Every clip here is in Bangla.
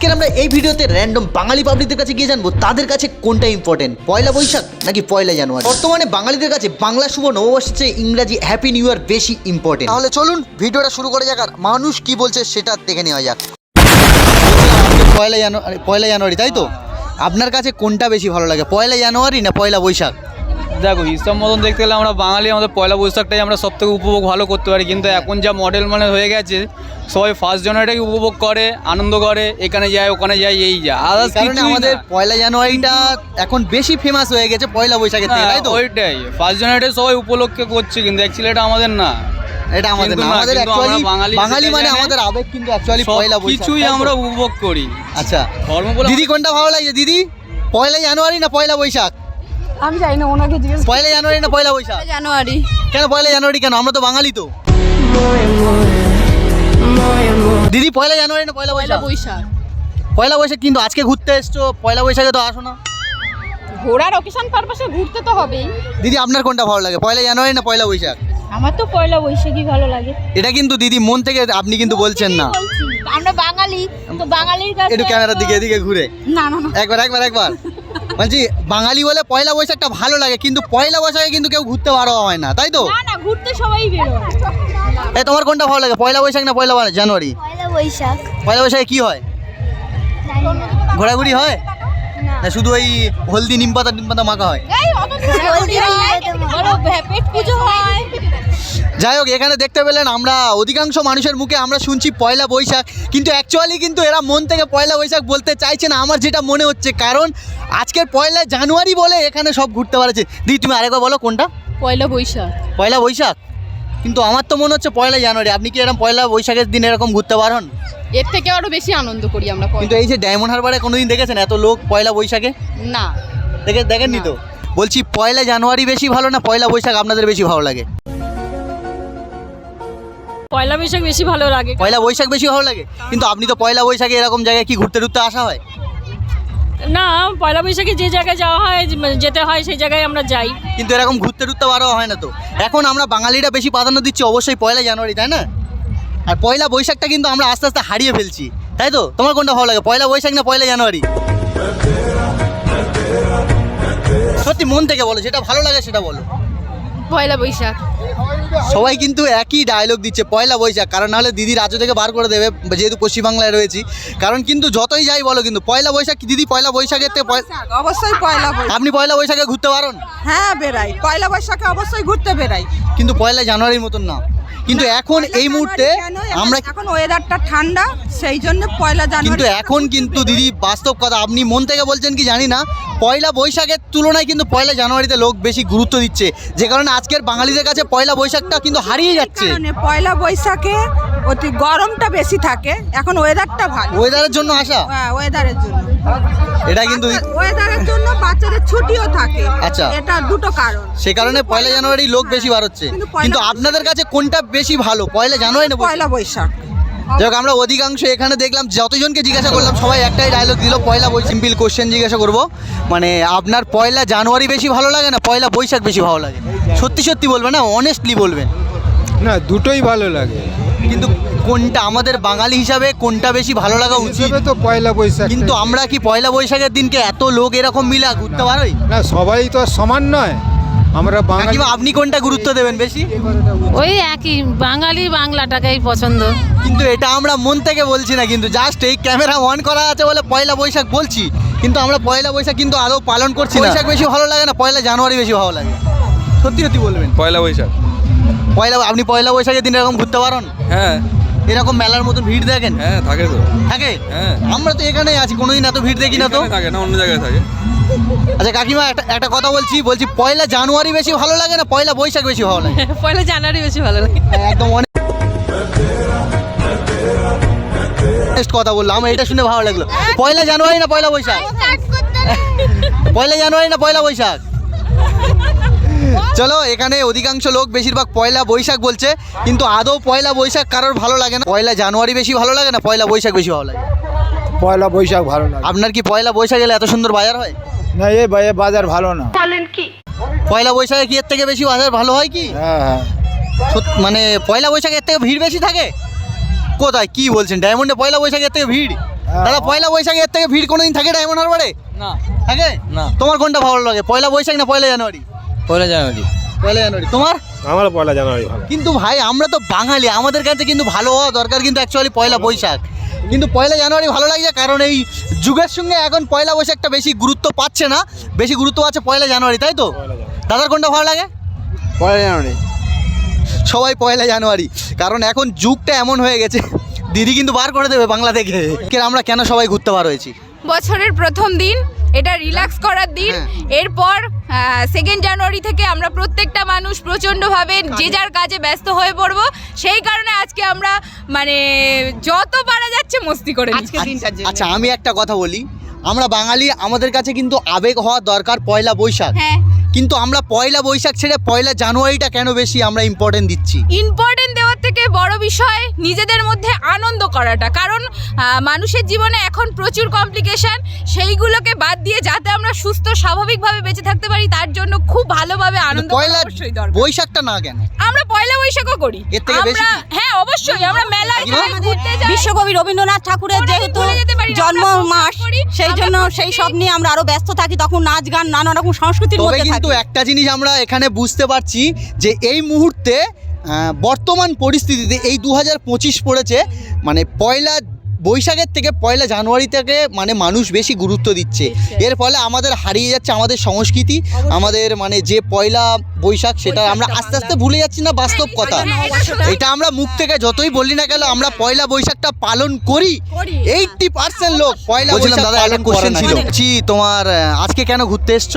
আজকের আমরা এই ভিডিওতে র্যান্ডম বাঙালি পাবলিকদের কাছে গিয়ে জানবো তাদের কাছে কোনটা ইম্পর্টেন্ট, পয়লা বৈশাখ নাকি পয়লা জানুয়ারি। বর্তমানে বাঙালিদের কাছে বাংলা শুভ নববর্ষের চেয়ে ইংরাজি হ্যাপি নিউ ইয়ার বেশি ইম্পর্টেন্ট। তাহলে চলুন ভিডিওটা শুরু করা যাক আর মানুষ কি বলছে সেটা দেখে নেওয়া যাক। পয়লা জানুয়ারি তাই তো, আপনার কাছে কোনটা বেশি ভালো লাগে, পয়লা জানুয়ারি না পয়লা বৈশাখ? দেখো হিসাব মতন দেখতে গেলে আমরা বাঙালি আমাদের পয়লা বৈশাখটাই আমরা সব থেকে উপভোগ ভালো করতে পারি, কিন্তু এখন যা মডেল মানে হয়ে গেছে সবাই ফার্স্ট জানুয়ারিটাকে উপভোগ করে, আনন্দ করে, এখানে যায় ওখানে যায় এই যা আদার্স কারণে আমাদের পয়লা জানুয়ারিটা এখন বেশি ফেমাস হয়ে গেছে পয়লা বৈশাখের থেকে, তাই তো? ওইটাই ফার্স্ট জানুয়ারিটা সবাই উপলক্ষে করছে, কিন্তু অ্যাকচুয়ালি এটা আমাদের না, এটা আমাদের না, আমাদের অ্যাকচুয়ালি বাঙালি মানে আমাদের আবেগ, কিন্তু অ্যাকচুয়ালি পয়লা বৈশাখ কিছুই আমরা উপভোগ করি। আচ্ছা ধর্ম বলে দিদি কোনটা ভালো লাগে দিদি, পয়লা জানুয়ারি না পয়লা বৈশাখ? আমি জানি না, ওনাকে জিজ্ঞেস। পয়লা জানুয়ারি না পয়লা বৈশাখ? জানুয়ারি। কেন পয়লা জানুয়ারি কেন, আমরা তো বাঙালি তো। দিদি পয়লা জানুয়ারি না পয়লা বৈশাখ? বৈশাখ। পয়লা বৈশাখ, কিন্তু আজকে ঘুরতে এসছো, পয়লা বৈশাখে তো আসো না। ঘোরার অকেশন পারপাসে ঘুরতে তো হবেই। দিদি আপনার কোনটা ভালো লাগে, পয়লা জানুয়ারি না পয়লা বৈশাখ? আমার তো পয়লা বৈশাখই ভালো লাগে। এটা কিন্তু দিদি মন থেকে আপনি কিন্তু বলছেন না। আমরা বাঙালি তো, বাঙালির কাছে একটু ক্যামেরার দিকে এদিকে ঘুরে না না না একবার বলছি বাঙালি বলে পয়লা বৈশাখটা ভালো লাগে, কিন্তু পয়লা বৈশাখে কিন্তু কেউ ঘুরতে পারো হয় না, তাই তো? না না, ঘুরতে সবাই বেরোয়। এই তোমার কোনটা ভালো লাগে, পয়লা বৈশাখ না পয়লা জানুয়ারি? পয়লা বৈশাখ। পয়লা বৈশাখে কি হয়, ঘোরাঘুরি হয় না শুধু ওই হলদি নিম পাতা মাখা হয়? এই অত বড় পেট পুজো হয়। যাই হোক, এখানে দেখতে পেলেন আমরা অধিকাংশ মানুষের মুখে আমরা শুনছি পয়লা বৈশাখ, কিন্তু অ্যাকচুয়ালি কিন্তু এরা মন থেকে পয়লা বৈশাখ বলতে চাইছে না, আমার যেটা মনে হচ্ছে, কারণ আজকের পয়লা জানুয়ারি বলে এখানে সব ঘুরতে পারছে। দিদি তুমি আরেকবার বলো কোনটা? পয়লা বৈশাখ। পয়লা বৈশাখ, কিন্তু আমার তো মনে হচ্ছে পয়লা জানুয়ারি। আপনি কি এরকম পয়লা বৈশাখের দিন এরকম ঘুরতে পারেন? এর থেকে আরো বেশি আনন্দ করি আমরা। কিন্তু এই যে ডায়মন্ড হারবারে কোনোদিন দেখেছেন এত লোক পয়লা বৈশাখে? না দেখেননি তো। বলছি পয়লা জানুয়ারি বেশি ভালো না পয়লা বৈশাখ আপনাদের বেশি ভালো লাগে? পয়লা বৈশাখ বেশি ভালো লাগে। পয়লা বৈশাখ বেশি ভালো লাগে, কিন্তু আপনি তো পয়লা বৈশাখে এরকম জায়গায় কি ঘুরতে টুরতে আসা হয়? না, পয়লা বৈশাখে যে জায়গায় যাওয়া হয়, যেতে হয় সেই জায়গায় আমরা যাই। কিন্তু এরকম ঘুরতে টুরতে পারা হয় না তো। এখন আমরা বাঙালিরা বেশি প্রাধান্য দিচ্ছি অবশ্যই পয়লা জানুয়ারি, তাই না? আর পয়লা বৈশাখটা কিন্তু আমরা আস্তে আস্তে হারিয়ে ফেলছি, তাই তো? তোমার কোনটা ভালো লাগে, পয়লা বৈশাখ না পয়লা জানুয়ারি? সত্যি মন থেকে বলো, যেটা ভালো লাগে সেটা বলো। পয়লা বৈশাখ। সবাই কিন্তু একই ডায়লগ দিচ্ছে পয়লা বৈশাখ, কারণ নাহলে দিদি রাজ্য থেকে বার করে দেবে, যেহেতু পশ্চিমবাংলায় রয়েছি। কারণ কিন্তু যতই যাই বলো, কিন্তু পয়লা বৈশাখ, দিদি পয়লা বৈশাখের থেকে অবশ্যই পয়লা বৈশাখ। আপনি পয়লা বৈশাখে ঘুরতে পারেন? হ্যাঁ বেরাই, পয়লা বৈশাখে অবশ্যই ঘুরতে বেরাই, কিন্তু পয়লা জানুয়ারির মতন না। কিন্তু এখন এই মুহূর্তে আমরা এখন ওয়েদারটা ঠান্ডা, সেই জন্য পয়লা জানুয়ারি। কিন্তু এখন কিন্তু দিদি বাস্তব কথা, আপনি মন থেকে বলছেন কি জানি না, পয়লা বৈশাখের তুলনায় কিন্তু পয়লা জানুয়ারিতে লোক বেশি গুরুত্ব দিচ্ছে, যে কারণে আজকের বাঙালিদের কাছে পয়লা বৈশাখটা কিন্তু হারিয়ে যাচ্ছে। পয়লা বৈশাখে অতি গরমটা বেশি থাকে, এখন ওয়েদারটা ভালো, ওয়েদারের জন্য আসা। হ্যাঁ ওয়েদারের জন্য, এটা কিন্তু ওয়েদারের জন্য বাচ্চাদের ছুটিও থাকে। আচ্ছা, এটা দুটো কারণ, সে কারণে পয়লা জানুয়ারি লোক বেশি বার হচ্ছে। কিন্তু আপনাদের কাছে কোনটা বেশি ভালো, পয়লা জানুয়ারি না পয়লা বৈশাখ? যাক, আমরা অধিকাংশ এখানে দেখলাম, যতজনকে জিজ্ঞাসা করলাম সবাই একটাই ডায়লগ দিল পয়লা বৈশাখ। সিম্পল কোশ্চেন জিজ্ঞাসা করবো, মানে আপনার পয়লা জানুয়ারি বেশি ভালো লাগে না পয়লা বৈশাখ বেশি ভালো লাগে? সত্যি সত্যি বলবেন না, অনেস্টলি বলবেন। না, দুটোই ভালো লাগে, কিন্তু কোনটা আমাদের বাঙালি হিসাবে কোনটা বেশি ভালো লাগা উচিত? হিসেবে তো পয়লা বৈশাখ। কিন্তু আমরা কি পয়লা বৈশাখের দিনকে এত লোক এরকম মিলা ঘুরতে পারি? না, সবাই তো আর সমান নয়, আমরা বাঙালি। কাকিমা আপনি কোনটা গুরুত্ব দেবেন বেশি? ওই একই, বাঙালি বাংলাটাকেই পছন্দ। কিন্তু এটা আমরা মন থেকে বলছি না, কিন্তু জাস্ট এই ক্যামেরা অন করা আছে বলে পয়লা বৈশাখ বলছি, কিন্তু আমরা পয়লা বৈশাখ কিন্তু আদৌ পালন করছি না। বৈশাখ বেশি ভালো লাগে না পয়লা জানুয়ারি বেশি ভালো লাগে? সত্যি সত্যি বলবেন। পয়লা বৈশাখ। আপনি পয়লা বৈশাখের দিন এরকম ঘুরতে পারেন? হ্যাঁ, এরকম মেলার মতন ভিড় দেখেন? হ্যাঁ থাকে তো। থাকে? হ্যাঁ, আমরা তো এখানেই আছি, কোনোদিন এত ভিড় দেখি না তো। থাকে না, অন্য জায়গায় থাকে। আচ্ছা কাকিমা, একটা কথা বলছি পয়লা জানুয়ারি বেশি ভালো লাগে না পয়লা বৈশাখ বেশি ভালো লাগে? পয়লা জানুয়ারি বেশি ভালো লাগে। একদম অনেস্ট কথা বললাম, আমার এটা শুনে ভালো লাগলো। পয়লা জানুয়ারি না পয়লা বৈশাখ? পয়লা জানুয়ারি না পয়লা বৈশাখ? চলো, এখানে অধিকাংশ লোক বেশিরভাগ পয়লা বৈশাখ বলছে, কিন্তু আদৌ পয়লা বৈশাখ কারোর ভালো লাগে না। পয়লা জানুয়ারি বেশি ভালো লাগে না পয়লা বৈশাখ বেশি ভালো লাগে? পয়লা বৈশাখ ভালো লাগে। আপনার কি পয়লা বৈশাখ এলে এত সুন্দর বাজার হয়? না, এই বাজার ভালো না। পয়লা বৈশাখে কি এর থেকে বেশি বাজার ভালো হয় কি? হ্যাঁ, মানে পয়লা বৈশাখের থেকে ভিড় বেশি থাকে? কোথায় কি বলছেন, ডায়মন্ডে পয়লা বৈশাখের থেকে ভিড়? দাদা পয়লা বৈশাখে এর থেকে ভিড় কোনোদিন থাকে ডায়মন্ড হারবারে? না থাকে না। তোমার কোনটা ভালো লাগে, পয়লা বৈশাখ না পয়লা জানুয়ারি? পয়লা জানুয়ারি। পয়লা জানুয়ারি। তোমার? আমার পয়লা জানুয়ারি ভালো। কিন্তু ভাই আমরা তো বাঙালি, আমাদের কাছে কিন্তু ভালো হওয়া দরকার কিন্তু অ্যাকচুয়ালি পয়লা বৈশাখ, কিন্তু পয়লা জানুয়ারি ভালো লাগছে কারণ এই যুগের সঙ্গে এখন পয়লা বৈশাখটা বেশি গুরুত্ব পাচ্ছে না, বেশি গুরুত্ব পাচ্ছে পয়লা জানুয়ারি, তাই তো? দাদার কোনটা ভালো লাগে? পয়লা জানুয়ারি। সবাই পয়লা জানুয়ারি, কারণ এখন যুগটা এমন হয়ে গেছে, দিদি কিন্তু বার করে দেবে বাংলা থেকে। আমরা কেন সবাই ঘুরতে বার হয়েছি? বছরের প্রথম দিন, এটা রিল্যাক্স করার দিন। এরপর 2 জানুয়ারি থেকে আমরা প্রত্যেকটা মানুষ প্রচণ্ডভাবে যে যার কাজে ব্যস্ত হয়ে পড়ব। সেই কারণে আজকে আমরা মানে যত পারা যাচ্ছে মস্তি করে আজকে দিনটার জন্য। আচ্ছা আমি একটা কথা বলি, আমরা বাঙালি, আমাদের কাছে কিন্তু আবেগ হওয়া দরকার পয়লা বৈশাখ, হ্যাঁ, কিন্তু আমরা পয়লা বৈশাখ ছেড়ে পয়লা জানুয়ারিটা কেন বেশি আমরা ইম্পর্টেন্ট দিচ্ছি? ইম্পর্টেন্ট দেওয়ার থেকে বড় বিষয় নিজেদের মধ্যে আনন্দ করাটা, কারণ মানুষের জীবনে এখন প্রচুর কমপ্লিকেশন, সেইগুলোকে বাদ দিয়ে যাতে আমরা সুস্থ স্বাভাবিকভাবে বেঁচে থাকতে পারি তার জন্য খুব ভালোভাবে আনন্দ করা পয়লা অবশ্যই দরকার। বৈশাখটা না কেন? আমরা পয়লা বৈশাখও করি এর থেকে বেশি আমরা, হ্যাঁ অবশ্যই আমরা মেলায় যাই, ঘুরতে যাই। বিশ্বকবি রবীন্দ্রনাথ ঠাকুরের ওটা যেহেতু ভুলে যেতে পারি না, জন্ম আমরা মাস, করি, সেই আমরা জন্য প্রত্যেকেই- সেই সব নিয়ে আমরা আরো ব্যস্ত থাকি, তখন নাচ গান নানা রকম সংস্কৃতির তবে মধ্যে কিন্তু থাকি। একটা জিনিস আমরা এখানে বুঝতে পারছি যে এই মুহূর্তে বর্তমান পরিস্থিতিতে এই 2025 পড়েছে, মানে পয়লা বৈশাখের থেকে পয়লা জানুয়ারি থেকে মানে মানুষ বেশি গুরুত্ব দিচ্ছে। এর ফলে আমাদের হারিয়ে যাচ্ছে আমাদের সংস্কৃতি, আমাদের মানে যে পয়লা বৈশাখ সেটা আমরা আস্তে আস্তে ভুলে যাচ্ছি না, বাস্তব কথা। এটা আমরা মুখ থেকে যতই বলি না কেন, আমরা পয়লা বৈশাখটা পালন করি। 80% লোক পয়লা বৈশাখ পালন করে না। বলছি তোমার আজকে কেন ঘুরতে এসছো?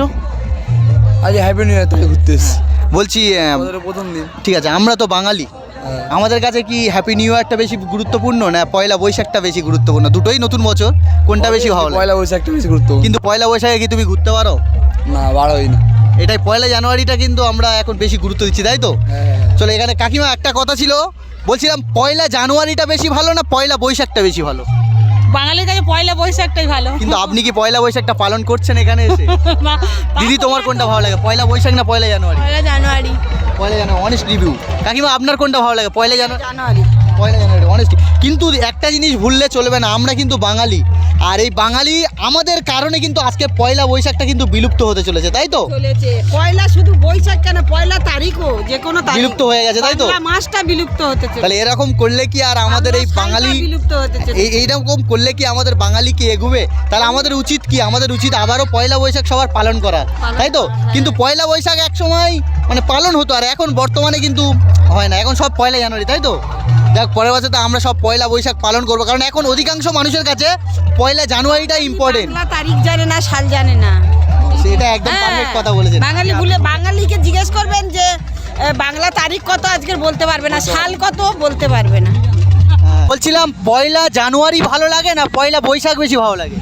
আজ হ্যাপি নিউ ইয়ার থেকে ঘুরতে এসেছি। বলছি প্রথম দিন। ঠিক আছে, আমরা তো বাঙালি, আমাদের কাছে কি হ্যাপি নিউ ইয়ারটা বেশি গুরুত্বপূর্ণ না পয়লা বৈশাখটা বেশি গুরুত্বপূর্ণ? দুটোই নতুন বছর, কোনটা বেশি ভালো লাগে? পয়লা বৈশাখটা বেশি গুরুত্বপূর্ণ। কিন্তু পয়লা বৈশাখে কি তুমি ঘুরতে পারো? না, বার হয়নি। এটাই পয়লা জানুয়ারিটা কিন্তু আমরা এখন বেশি গুরুত্ব দিচ্ছি, তাই তো? চলো এখানে কাকিমা একটা কথা ছিল, বলছিলাম পয়লা জানুয়ারিটা বেশি ভালো না পয়লা বৈশাখটা বেশি ভালো? বাঙালির কাছে পয়লা বৈশাখটাই ভালো। কিন্তু আপনি কি পয়লা বৈশাখটা পালন করছেন এখানে এসে? দিদি তোমার কোনটা ভালো লাগে, পয়লা বৈশাখ না পয়লা জানুয়ারি? পয়লা জানুয়ারি। পয়লা জানুয়ারি, অনেস্ট রিভিউ। কাকিমা আপনার কোনটা ভালো লাগে, পয়লা জানুয়ারি। পয়লা জানুয়ারি, অনেস্ট। কিন্তু একটা জিনিস ভুললে চলবে না, আমরা কিন্তু বাঙালি, আর এই বাঙালি আমাদের কারণে কিন্তু আজকে পয়লা বৈশাখটা কিন্তু বিলুপ্ত হতে চলেছে, তাই তো? চলেছে পয়লা, শুধু বৈশাখ কেন, পয়লা তারিখও যে কোনো তারিখ বিলুপ্ত হয়ে গেছে, তাই তো? বাংলা মাসটা বিলুপ্ত হতে চলেছে। তাহলে এরকম করলে কি আর আমাদের এই বাংলা বাঙালি সালটা বিলুপ্ত হতে চলেছে। এইরকম করলে কি আমাদের বাঙালি কি এগুবে? তাহলে আমাদের উচিত কি, আমাদের উচিত আবারও পয়লা বৈশাখ সবার পালন করা, তাই তো? কিন্তু পয়লা বৈশাখ এক সময় মানে পালন হতো, আর এখন বর্তমানে কিন্তু হয় না, এখন সব পয়লা জানুয়ারি, তাই তো? দেখ পরের বছর তো আমরা সব পয়লা বৈশাখ পালন করবো, কারণ এখন অধিকাংশ মানুষের কাছে পয়লা জানুয়ারিটাই ইম্পর্টেন্ট। বাংলা তারিখ জানে না, সাল জানে না। সেটা একদম পারফেক্ট কথা বলেছেন। বাঙালি ভুলে, বাঙালিকে জিজ্ঞেস করবেন যে বাংলা তারিখ কত আজকের বলতে পারবে না, সাল কত বলতে পারবে না। বলছিলাম পয়লা জানুয়ারি ভালো লাগে না পয়লা বৈশাখ বেশি ভালো লাগে?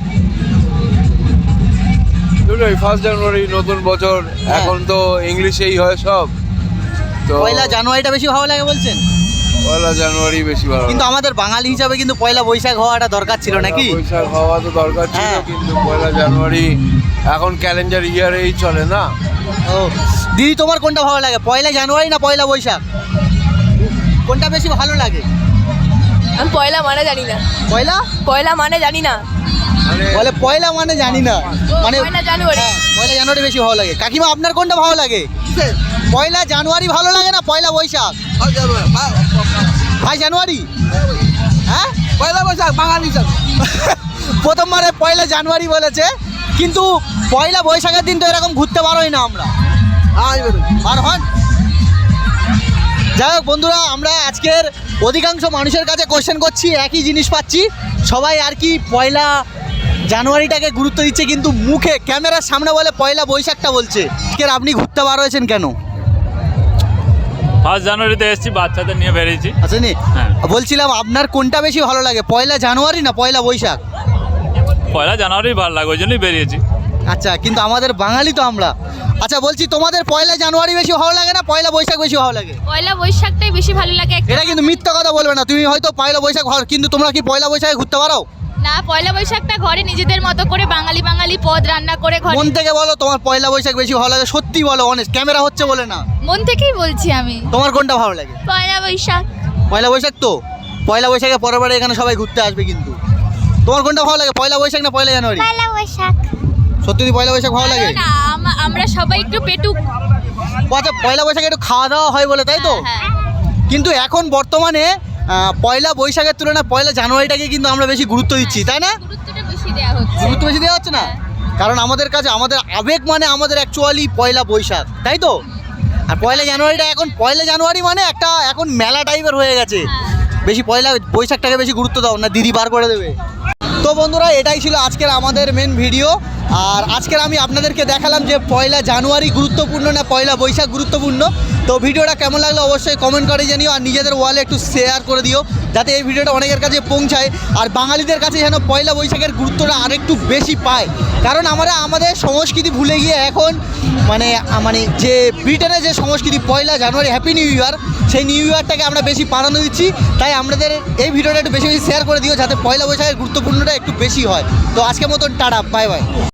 দুটোই, 1 জানুয়ারি নতুন বছর, এখন তো ইংলিশেই হয় সব, তো পয়লা জানুয়ারিটা বেশি ভালো লাগে বলছেন? পয়লা জানুয়ারি বেশি ভালো। কিন্তু আমাদের বাঙালি হিসাবে কিন্তু পয়লা বৈশাখ হওয়াটা দরকার ছিল নাকি? পয়লা বৈশাখ হওয়া তো দরকার ছিল, হ্যাঁ। কিন্তু পয়লা জানুয়ারি এখন ক্যালেন্ডার ইয়ারেই চলে না। ও দিদি তোমার কোনটা ভালো লাগে, পয়লা জানুয়ারি না পয়লা বৈশাখ? কোনটা বেশি ভালো লাগে? আমি পয়লা মানে জানি না। পয়লা মানে জানি না। বলে পয়লা মানে জানি না, মানে পয়লা জানুয়ারি। হ্যাঁ, পয়লা জানুয়ারি বেশি ভালো লাগে। কাকিমা আপনার কোনটা ভালো লাগে, পয়লা জানুয়ারি ভালো লাগে না পয়লা বৈশাখ? ভাই জানুয়ারি, হ্যাঁ পয়লা বৈশাখ বাঙালি সব। প্রথমবারে পয়লা জানুয়ারি বলেছে, কিন্তু পয়লা বৈশাখের দিন তো এরকম ঘুরতে পারোই না আমরা, আর হন। যাই হোক বন্ধুরা, আমরা আজকের অধিকাংশ মানুষের কাছে কোশ্চেন করছি, একই জিনিস পাচ্ছি, সবাই আর কি পয়লা জানুয়ারিটাকে গুরুত্ব দিচ্ছে, কিন্তু মুখে ক্যামেরার সামনে বলে পয়লা বৈশাখটা বলছে। আজকের আপনি ঘুরতে বার হয়েছেন কেন? 1 জানুয়ারিতে এসেছি, বাচ্চাদের নিয়ে বেরিয়েছি। আচ্ছা নি, হ্যাঁ। বলছিলাম আপনার কোনটা বেশি ভালো লাগে, পয়লা জানুয়ারি না পয়লা বৈশাখ? পয়লা জানুয়ারি ভালো লাগে, ওই জন্যই বেরিয়েছি। আচ্ছা, কিন্তু আমাদের বাঙালি তো আমরা। আচ্ছা বলছি, তোমাদের পয়লা জানুয়ারি বেশি ভালো লাগে না পয়লা বৈশাখ বেশি ভালো লাগে? পয়লা বৈশাখটাই বেশি ভালো লাগে। এটা কিন্তু মিথ্যা কথা বলবে না, তুমি হয়তো পয়লা বৈশাখ ভালো, কিন্তু তোমরা কি পয়লা বৈশাখে ঘুরতে পারো? না, পয়লা বৈশাখটা ঘরে নিজেদের মতো করে বাঙালি বাঙালি পদ রান্না করে ঘরে। মন থেকে বলো তোমার পয়লা বৈশাখ বেশি ভালো লাগে, সত্যি বলো, অনেস্ট, ক্যামেরা হচ্ছে বলে না। মন থেকেই বলছি আমি। তোমার কোনটা ভালো লাগে? পয়লা বৈশাখ। পয়লা বৈশাখ তো, পয়লা বৈশাখে পরের বারে এখানে সবাই ঘুরতে আসবে কিন্তু। তোমার কোনটা ভালো লাগে, পয়লা বৈশাখ না পয়লা জানুয়ারি? পয়লা বৈশাখ। সত্যি পয়লা বৈশাখ ভালো লাগে? না আমরা সবাই একটু পেটুক। আচ্ছা, পয়লা বৈশাখে একটু খাওয়া দাওয়া হয় বলে, তাই তো? হ্যাঁ। কিন্তু এখন বর্তমানে পয়লা বৈশাখের তুলনায় পয়লা জানুয়ারিটাকে কিন্তু আমরা বেশি গুরুত্ব দিচ্ছি, তাই না? গুরুত্বটা বেশি দেওয়া হচ্ছে। গুরুত্ব বেশি দেওয়া হচ্ছে না, কারণ আমাদের কাছে আমাদের আবেগ মানে আমাদের অ্যাকচুয়ালি পয়লা বৈশাখ, তাই তো? আর পয়লা জানুয়ারিটা এখন পয়লা জানুয়ারি মানে একটা এখন মেলা টাইপের হয়ে গেছে, বেশি পয়লা বৈশাখটাকে বেশি গুরুত্ব দাও না, দিদি বার করে দেবে। তো বন্ধুরা, এটাই ছিল আজকের আমাদের মেন ভিডিও। আর আজকের আমি আপনাদেরকে দেখালাম যে পয়লা জানুয়ারি গুরুত্বপূর্ণ না পয়লা বৈশাখ গুরুত্বপূর্ণ। তো ভিডিওটা কেমন লাগলো অবশ্যই কমেন্ট করে জানিও, আর নিজেদের ওয়ালে একটু শেয়ার করে দিও যাতে এই ভিডিওটা অনেকের কাছে পৌঁছায়, আর বাঙালিদের কাছে যেন পয়লা বৈশাখের গুরুত্বটা আরেকটু বেশি পায়। কারণ আমরা আমাদের সংস্কৃতি ভুলে গিয়ে এখন মানে যে ব্রিটেনের যে সংস্কৃতি পয়লা জানুয়ারি হ্যাপি নিউ ইয়ার, সেই নিউ ইয়ারটাকে আমরা বেশি প্রাধান্য দিচ্ছি। তাই আমাদের এই ভিডিওটা একটু বেশি বেশি শেয়ার করে দিও যাতে পয়লা বৈশাখের গুরুত্বপূর্ণটা একটু বেশি হয়। তো আজকের মতন টাটা, বাই বাই।